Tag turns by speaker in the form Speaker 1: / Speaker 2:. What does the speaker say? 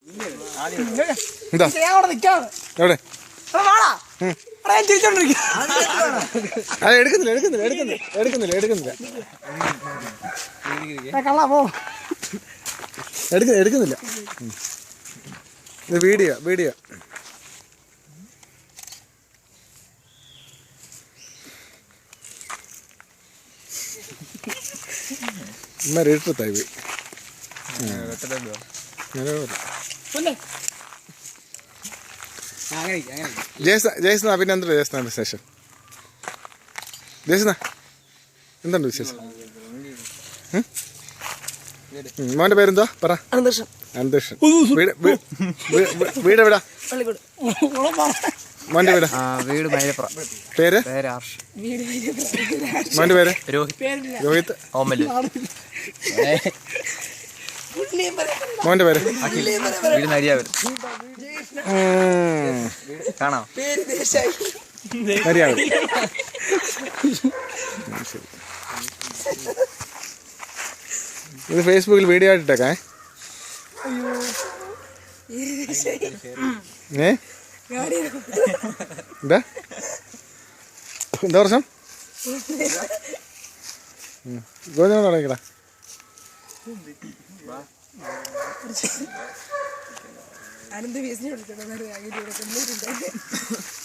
Speaker 1: എന്താ എവിടെ എടുക്കുന്നില്ല. ഇത് വീഡിയോ ഇട്ടത്തായി പോയി. ജയസ്ന പിന്നെ എന്താ ജയസ്ന വിശേഷം? ജയസ്ന എന്തുണ്ട് വിശേഷം? മോൻ്റെ പേരെന്താ പറ? അന്തരീക്ഷൻ. വീട് എവിടാ? മോൻ്റെ വീട്?
Speaker 2: വീട് മൈലപ്പുറം.
Speaker 1: പേര്? മോൻ്റെ പേര്? രോഹിത്. മോൻ്റെ പേര്?
Speaker 2: വീട് നരിയാവൂർ. കാണാം.
Speaker 1: നരിയാവൂർ. ഇത് ഫേസ്ബുക്കിൽ വീഡിയോ ആയിട്ടിട്ടേക്കേ. എന്താ പ്രശ്നം? ഗോതമ്പ് തുടങ്ങിക്കടാ.
Speaker 3: അനന്ത് വീസിനെ വിളിച്ചോ.